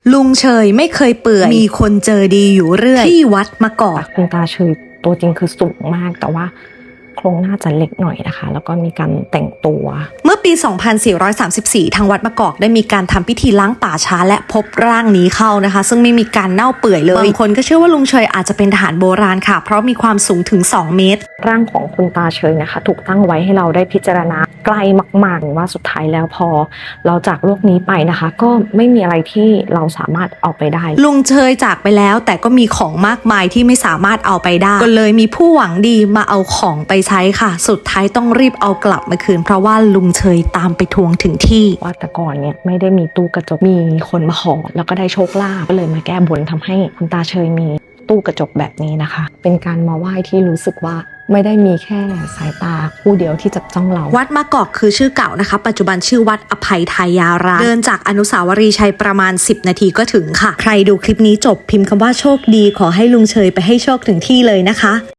ลุงเฉยไม่เคยเปื่อยมีคนเจอดีอยู่เรื่อยที่วัดมะกอกคุณตาเฉยตัวจริงคือสูงมากแต่ว่าโครงหน้าจะเล็กหน่อยนะคะแล้วก็มีการแต่งตัวเมื่อปี 2434 ทางวัดมะกอกได้มีการทำพิธีล้างป่าช้าและพบร่างนี้เข้านะคะซึ่งไม่มีการเน่าเปื่อยเลยบางคนก็เชื่อว่าลุงเฉยอาจจะเป็นทหารโบราณค่ะเพราะมีความสูงถึง2 เมตรร่างของคุณตาเฉยนะคะถูกตั้งไว้ให้เราได้พิจารณาใกล้มากๆว่าสุดท้ายแล้วพอเราจากโลกนี้ไปนะคะก็ไม่มีอะไรที่เราสามารถเอาไปได้ลุงเฉยจากไปแล้วแต่ก็มีของมากมายที่ไม่สามารถเอาไปได้ก็เลยมีผู้หวังดีมาเอาของไปใช้ค่ะสุดท้ายต้องรีบเอากลับมาคืนเพราะว่าลุงเฉยตามไปทวงถึงที่ว่าแต่ก่อนเนี่ยไม่ได้มีตู้กระจกมีคนมาขอแล้วก็ได้โชคลาภก็เลยมาแก้บนทำให้คุณตาเฉยมีตู้กระจกแบบนี้นะคะเป็นการมาไหว้ที่รู้สึกว่าไม่ได้มีแค่สายตาคู่เดียวที่จับจ้องเราวัดมะกอกคือชื่อเก่านะคะปัจจุบันชื่อวัดอภัยทายารามเดินจากอนุสาวรีย์ชัยประมาณ10 นาทีก็ถึงค่ะใครดูคลิปนี้จบพิมพ์คำว่าโชคดีขอให้ลุงเฉยไปให้โชคถึงที่เลยนะคะ